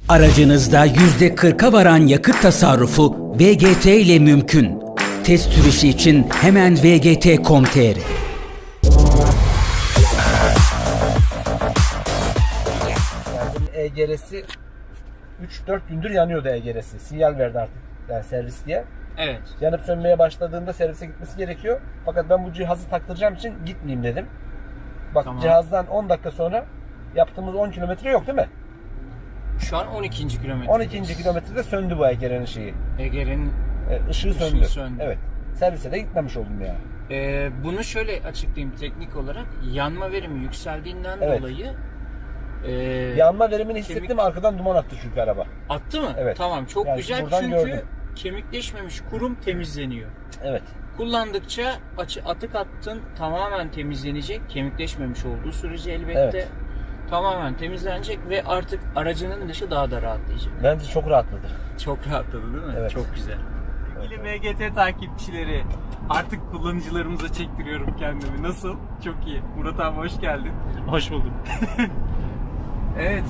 Aracınızda %40'a varan yakıt tasarrufu VGT ile mümkün. Test sürüşü için hemen vgt.com.tr. EGR'si 3-4 gündür yanıyordu EGR'si. Sinyal verdi artık yani servis diye. Evet. Yanıp sönmeye başladığında servise gitmesi gerekiyor. Fakat ben bu cihazı taktıracağım için gitmeyeyim dedim. Bak Tamam. Cihazdan 10 dakika sonra yaptığımız 10 kilometre yok değil mi? Şu an 12. kilometre. 12. kilometrede söndü bu EGR'nin şeyi. Ege'nin Işığı söndü. Evet. Servise de gitmemiş oldum ya. Bunu şöyle açıklayayım teknik olarak. Yanma verimi yükseldiğinden Evet. dolayı Yanma verimini hissettim, arkadan duman attı çünkü araba. attı mı? Evet. Tamam, çok Yani güzel buradan çünkü gördüm. kemikleşmemiş kurum temizleniyor. Evet. Kullandıkça atık attın tamamen temizlenecek. Kemikleşmemiş olduğu sürece elbette Evet. tamamen temizlenecek ve artık aracının dışı daha da rahatlayacak. Bence çok rahatladı. Çok rahatladı değil mi? Evet. Çok güzel. Sevgili VGT takipçileri, artık kullanıcılarımıza çektiriyorum kendimi. Nasıl? Çok iyi. Murat abi hoş geldin. Hoş bulduk. Evet,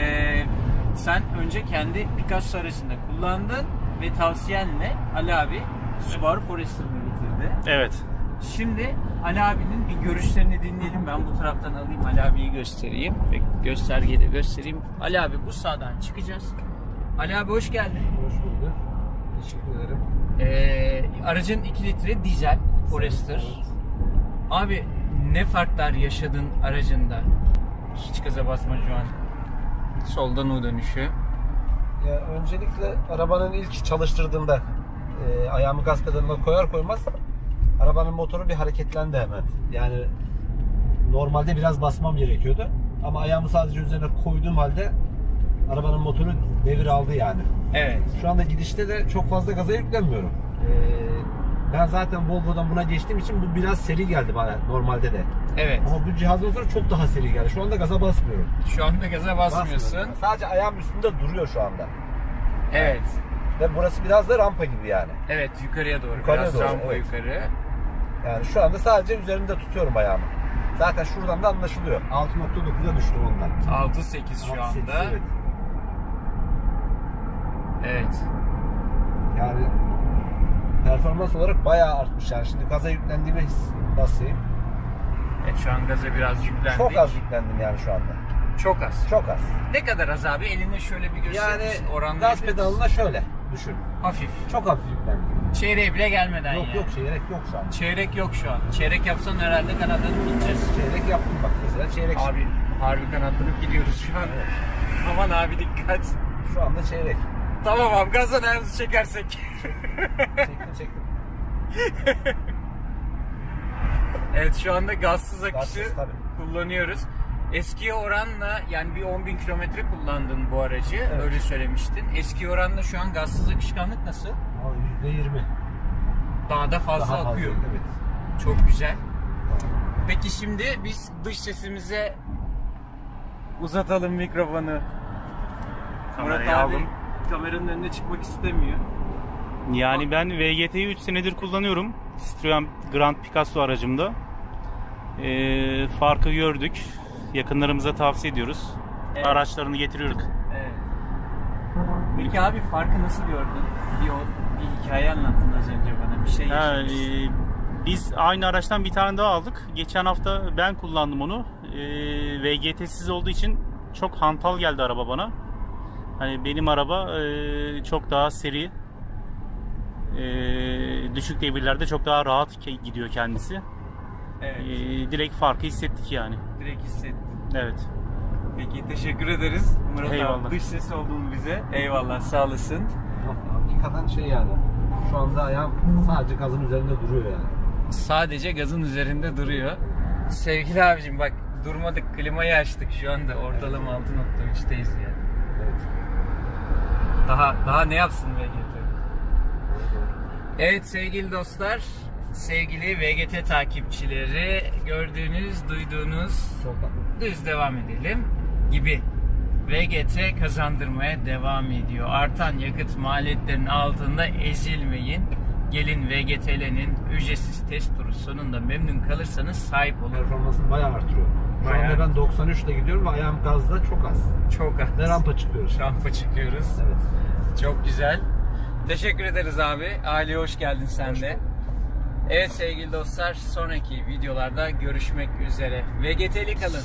sen önce kendi Picasso aracında kullandın ve tavsiyenle Ali abi Subaru Forester'ını getirdi. Evet. Şimdi Ali abinin bir görüşlerini dinleyelim. Ben bu taraftan alayım, Ali abiyi göstereyim ve göstergeyle göstereyim. Ali abi bu sağdan çıkacağız. Ali abi hoş geldin. Hoş bulduk. Teşekkür ederim. Aracın 2 litre dizel Forester. Abi ne farklar yaşadın aracında? Hiç gaza basma şu an. Soldan U dönüşü. Ya öncelikle arabanın ilk çalıştırdığımda ayağımı gaz pedalına koyar koymaz arabanın motoru bir hareketlendi hemen. Yani normalde biraz basmam gerekiyordu ama ayağımı sadece üzerine koyduğum halde arabanın motoru devir aldı yani. Evet. Şu anda gidişte de çok fazla gaza yüklenmiyorum. Ben zaten Volvo'dan buna geçtiğim için bu biraz seri geldi bana normalde de. Evet. Ama bu cihazdan sonra çok daha seri geldi. Şu anda gaza basmıyorum. Şu anda gaza basmıyorsun. Basmıyorum. Sadece ayağım üstünde duruyor şu anda. Evet. Ve burası biraz da rampa gibi yani. Evet, yukarıya doğru. Yukarıya Biraz doğru, rampa evet. yukarı. Yani şu anda sadece üzerinde tutuyorum ayağımı. Zaten şuradan da anlaşılıyor. 6.9'a düştüm ondan. 6.8 şu 6.8, anda. Evet. Evet. Yani performans olarak bayağı artmış yani. Şimdi gaza yüklendiğime basayım. Evet, şu an gaza biraz yüklendik. Çok az yüklendim yani şu anda. Çok az. Çok az. Ne kadar az abi? Eline şöyle bir gösterir Yani misin? Oranlayabilir gaz misin? pedalına şöyle düşün. Hafif. Çok hafif yüklendim. Çeyreğe bile gelmeden Yok yani. yok çeyrek yok şu an. Çeyrek yok şu an. Çeyrek yapsan herhalde kanatlanıp gideceğiz. Çeyrek yaptım bak mesela çeyrek. Abi harbi kanatlanıp gidiyoruz şu an. Aman abi dikkat. Şu anda çeyrek. Tamam abi, gazdan ayağımızı çekersek. Çektim. Evet, şu anda gazsız akışı Gazsız, tabii. kullanıyoruz. Eskiye oranla yani bir 10.000 kilometre kullandın bu aracı, Evet. öyle söylemiştin. Eski oranla şu an gazsız akışkanlık nasıl? Abi %20. Daha da fazla Daha akıyor. fazla, evet. Çok güzel. Peki şimdi biz dış sesimize uzatalım mikrofonu. Kamerayı Murat abi aldım. kameranın önüne çıkmak istemiyor. Yani ben VGT'yi 3 senedir kullanıyorum. Citroen Grand Picasso aracımda. Farkı gördük. Yakınlarımıza tavsiye ediyoruz. Evet. Araçlarını getiriyorduk. Evet. Peki abi farkı nasıl gördün? Bir hikaye anlattın az önce bana, bir şey yaşamışsın. Biz aynı araçtan bir tane daha aldık. Geçen hafta ben kullandım onu. VGT'siz olduğu için çok hantal geldi araba bana. Hani benim araba çok daha seri. Düşük devirlerde çok daha rahat gidiyor kendisi. Evet. Direkt farkı hissettik yani. Direkt hissettim. Evet. Peki teşekkür ederiz Murat Eyvallah. abi, dış ses olduğunu bize. Eyvallah, sağ olasın. Hakikaten şey yani. Şu anda ayağım sadece gazın üzerinde duruyor yani. Sadece gazın üzerinde duruyor. Sevgili abicim bak, durmadık, klimayı açtık şu anda ortalama 6.3'teyiz ya. Evet. Daha ne yapsın VGT? Evet sevgili dostlar, sevgili VGT takipçileri, gördüğünüz, duyduğunuz düz devam edelim gibi. VGT kazandırmaya devam ediyor. Artan yakıt maliyetlerinin altında ezilmeyin. Gelin VGT'lerin ücretsiz test turu sonunda memnun kalırsanız sahip olun. Performansını bayağı artırıyor. Şu Bayağı. anda ben 93 ile gidiyorum ve ayağım gazda çok az. Çok az. Ve rampa çıkıyoruz. Rampa çıkıyoruz. Evet. Çok güzel. Teşekkür ederiz abi. Aileye hoş geldin sen de. Evet sevgili dostlar, sonraki videolarda görüşmek üzere. VGT'li kalın.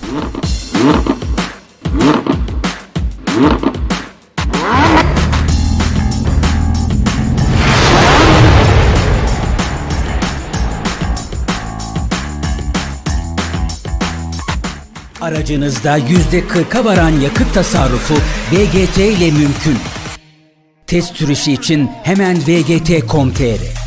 Aracınızda %40'a varan yakıt tasarrufu VGT ile mümkün. Test sürüşü için hemen vgt.com.tr